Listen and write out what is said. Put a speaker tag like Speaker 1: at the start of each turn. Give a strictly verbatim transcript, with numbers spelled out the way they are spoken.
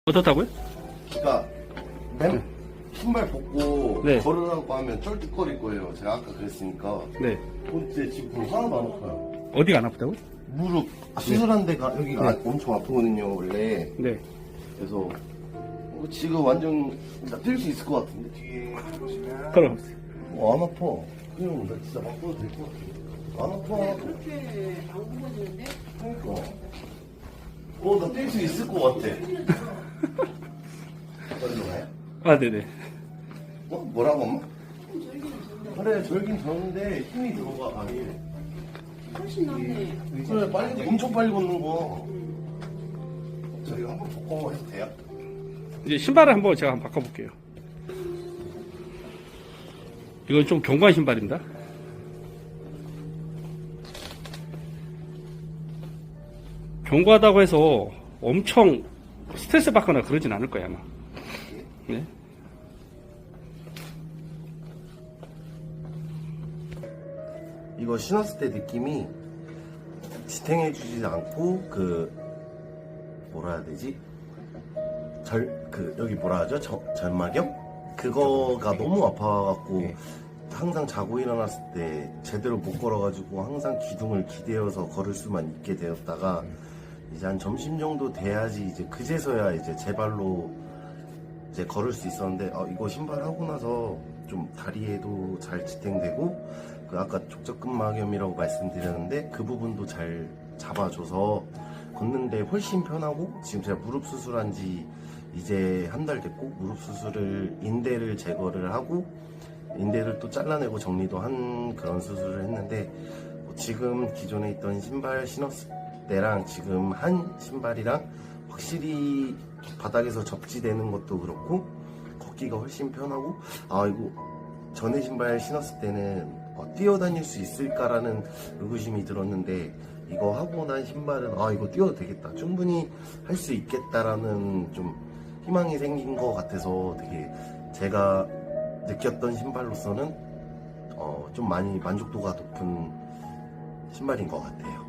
Speaker 1: 어떻다고요?
Speaker 2: 그러니까 맨 신발 벗고
Speaker 1: 네.
Speaker 2: 걸으라고 하면 쩔뚝거릴 거예요. 제가 아까 그랬으니까.
Speaker 1: 네.
Speaker 2: 근데 지금 하나도 안 아파요.
Speaker 1: 어디가 안 아프다고요?
Speaker 2: 무릎 수술한 데가 여기가 아- 엄청 아프거든요 원래.
Speaker 1: 네.
Speaker 2: 그래서 어, 지금 완전 뛸 수 있을 것 같은데 뒤에 보시면
Speaker 1: 그럼.
Speaker 2: 어, 안 아파. 그냥 나 진짜 바꿔도 될 것 같아. 안 아파.
Speaker 3: 그렇게 안 굽어지는데?
Speaker 2: 그러니까. 어, 나 뛸 수 있을 것 같아. 어디로 가요?
Speaker 1: 아, 네네.
Speaker 2: 어? 뭐라고 엄마? 그래, 절긴 저는데 힘이 들어가, 아니.
Speaker 3: 훨씬 낫네.
Speaker 2: 그래, 빨리, 엄청 빨리 걷는 거. 저희 한번 바꿔 해도 돼요?
Speaker 1: 이제 신발을 한번 제가 한번 바꿔볼게요. 이건 좀 견고한 신발입니다. 견고하다고 해서 엄청 스트레스 받거나 그러진 않을 거예요, 아마. 네.
Speaker 2: 이거 신었을 때 느낌이 지탱해주지 않고, 그, 뭐라 해야 되지? 절, 그, 여기 뭐라 하죠? 저, 절막염? 그거가 너무 아파갖고, 항상 자고 일어났을 때 제대로 못 걸어가지고 항상 기둥을 기대어서 걸을 수만 있게 되었다가, 이제 한 점심 정도 돼야지 이제 그제서야 이제 제 발로 이제 걸을 수 있었는데, 어, 이거 신발 하고 나서 좀 다리에도 잘 지탱되고, 그 아까 족저근막염이라고 말씀드렸는데 그 부분도 잘 잡아줘서 걷는데 훨씬 편하고, 지금 제가 무릎 수술한 지 이제 한 달 됐고, 무릎 수술을 인대를 제거를 하고 인대를 또 잘라내고 정리도 한 그런 수술을 했는데, 뭐 지금 기존에 있던 신발 신었을 때랑 지금 한 신발이랑 확실히 바닥에서 접지되는 것도 그렇고 걷기가 훨씬 편하고, 아 이거 전에 신발 신었을 때는 어, 뛰어다닐 수 있을까라는 의구심이 들었는데, 이거 하고 난 신발은 아 이거 뛰어도 되겠다, 충분히 할 수 있겠다라는 좀 희망이 생긴 것 같아서 되게 제가 느꼈던 신발로서는 어, 좀 많이 만족도가 높은 신발인 것 같아요.